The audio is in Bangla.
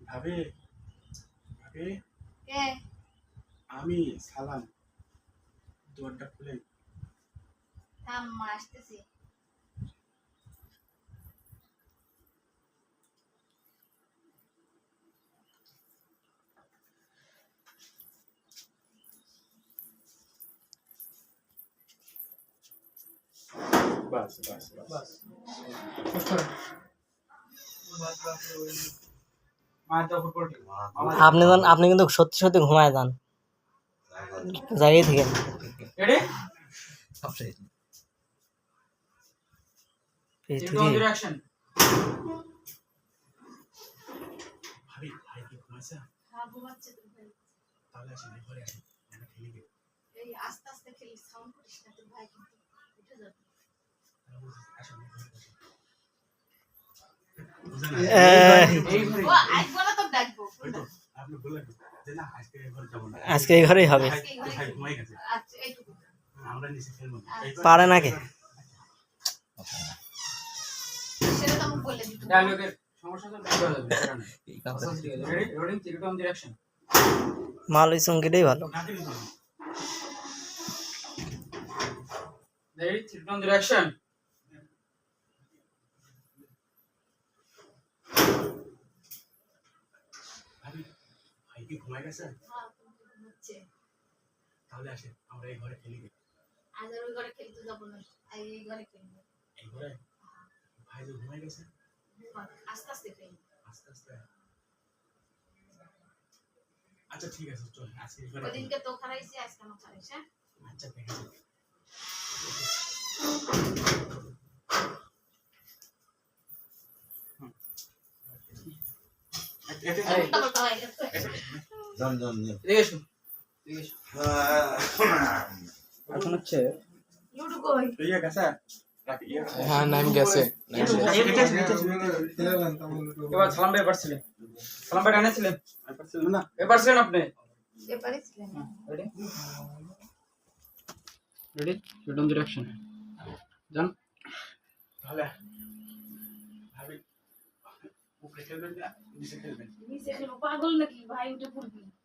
ভাবি ভাবি কে? আমি সালাম, দরজা খুলে। থাম, মা আসতেছি। বাস বাস বাস আপনি কিন্তু সত্যি সত্যি ঘুমায় যান, জায়গায় থেকে। ভাবি ভাই কি ঘুমাইছে? হ্যাঁ, ঘুমাচ্ছে তো ভাই। তাহলে আসেন ঘরে আসেন, আমরা খেলি গে। এই আস্তে আস্তে খেলিস, সাউন্ড করিস না, তোর ভাই কিন্তু উঠে যাবে। আসেন ঘরে বসে। ও আইবো না তো ডাকবো। আপনি বললেন যে না আজকে ঘরে যাব না, আজকে এই ঘরেই হবে। ভাই ঘুমাই গেছে। আচ্ছা, এইটুকু আমরা নিচে খেলবো। পারে নাকি? সেটা তো আমি বলে দিতে। ডায়লগের সমস্যা তো দেখা যাবে, এই কাজটা ঠিক আছে। Ready rolling 3 2 1 direction. মাল ওই চঙ্কিটাই ভালো। Ready 3 2 1 direction. ভাবি ভাই কি ঘুমাই গেছে? হ্যাঁ, ঘুমাচ্ছে। তাহলে আসেন আমরা এই ঘরে খেলি গে। আজ আর ওই ঘরে খেলতে যাবো না, এই ঘরে খেলবো। এই ঘরে ভাই যে ঘুমাই গেছে, আস্তে আস্তে খেলবো। আস্তে আস্তে। আচ্ছা ঠিক আছে, চল আজকে এই ঘরে। ওদিনকে তো খারাইছি, আজকে আমার খারাইছে। আচ্ছা ঠিক আছে। উল্টা হয়ে গেছে। যান যান যান। এদিকে এসো, এদিকে এসো। এখন হচ্ছে লুডু কই? ইয়ে গেছে রাখ ইয়ে। হ্যাঁ নাম গেছে। এবার সালাম ভাই পারছিলেন, সালাম ভাই আনেছিলেন পারছিল না। এবার ছিলেন আপনি। এবারে ছিলেন। Ready ready 3 2 direction. যান। তাহলে ভাবি উপরে খেলবেন না নিচে খেলবেন? নিচে খেলবো, পাগল নাকি ভাই? উঠে পড়বি।